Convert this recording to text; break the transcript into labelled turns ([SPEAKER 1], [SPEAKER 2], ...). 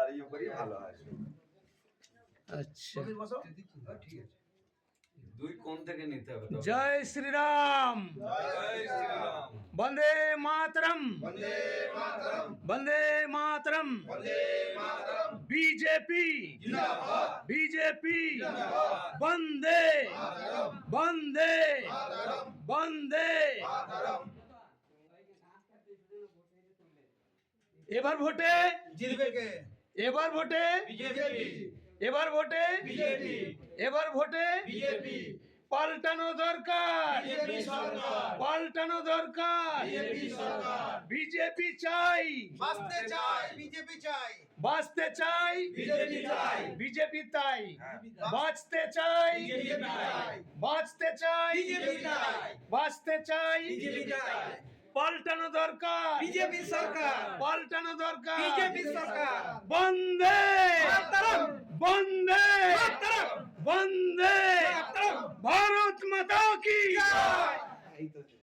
[SPEAKER 1] দাঁড়িয়ে করি ভালো হয়।
[SPEAKER 2] আচ্ছা,
[SPEAKER 1] ঠিক আছে, দুই কোণ থেকে নিতে হবে।
[SPEAKER 2] জয় শ্রীরাম,
[SPEAKER 1] জয় শ্রীরাম।
[SPEAKER 2] বন্দে মাতরম,
[SPEAKER 1] বন্দে মাতরম,
[SPEAKER 2] বন্দে মাতরম,
[SPEAKER 1] বন্দে মাতরম।
[SPEAKER 2] বিজেপি
[SPEAKER 1] জিন্দাবাদ,
[SPEAKER 2] বিজেপি,
[SPEAKER 1] জিন্দাবাদ।
[SPEAKER 2] বন্দে
[SPEAKER 1] মাতরম,
[SPEAKER 2] বন্দে
[SPEAKER 1] মাতরম,
[SPEAKER 2] বন্দে।
[SPEAKER 1] মাতরম।
[SPEAKER 2] এবার ভোটে
[SPEAKER 1] জিতবে কে?
[SPEAKER 2] এবার ভোটে
[SPEAKER 1] বিজেপি,
[SPEAKER 2] এবার ভোটে
[SPEAKER 1] বিজেপি,
[SPEAKER 2] এবার ভোটে
[SPEAKER 1] বিজেপি।
[SPEAKER 2] পাল্টানো দরকার,
[SPEAKER 1] বিজেপি সরকার,
[SPEAKER 2] পাল্টানো দরকার।
[SPEAKER 1] বিজেপি সরকার।
[SPEAKER 2] বিজেপি চাই,
[SPEAKER 1] বাঁচতে চাই, বিজেপি চাই।
[SPEAKER 2] বাঁচতে চাই,
[SPEAKER 1] বিজেপি চাই।
[SPEAKER 2] বিজেপি তাই। বাঁচতে চাই,
[SPEAKER 1] বিজেপি চাই।
[SPEAKER 2] বাঁচতে চাই,
[SPEAKER 1] বিজেপি চাই।
[SPEAKER 2] বাঁচতে চাই।
[SPEAKER 1] বিজেপি চাই।
[SPEAKER 2] পাল্টানো দরকার,
[SPEAKER 1] বিজেপি সরকার,
[SPEAKER 2] পাল্টানো দরকার।
[SPEAKER 1] বিজেপি সরকার।
[SPEAKER 2] বন্দে
[SPEAKER 1] মাতরম,
[SPEAKER 2] বন্দে
[SPEAKER 1] মাতরম,
[SPEAKER 2] বন্দে
[SPEAKER 1] মাতরম।
[SPEAKER 2] ভারত মাতা কি
[SPEAKER 1] জয়।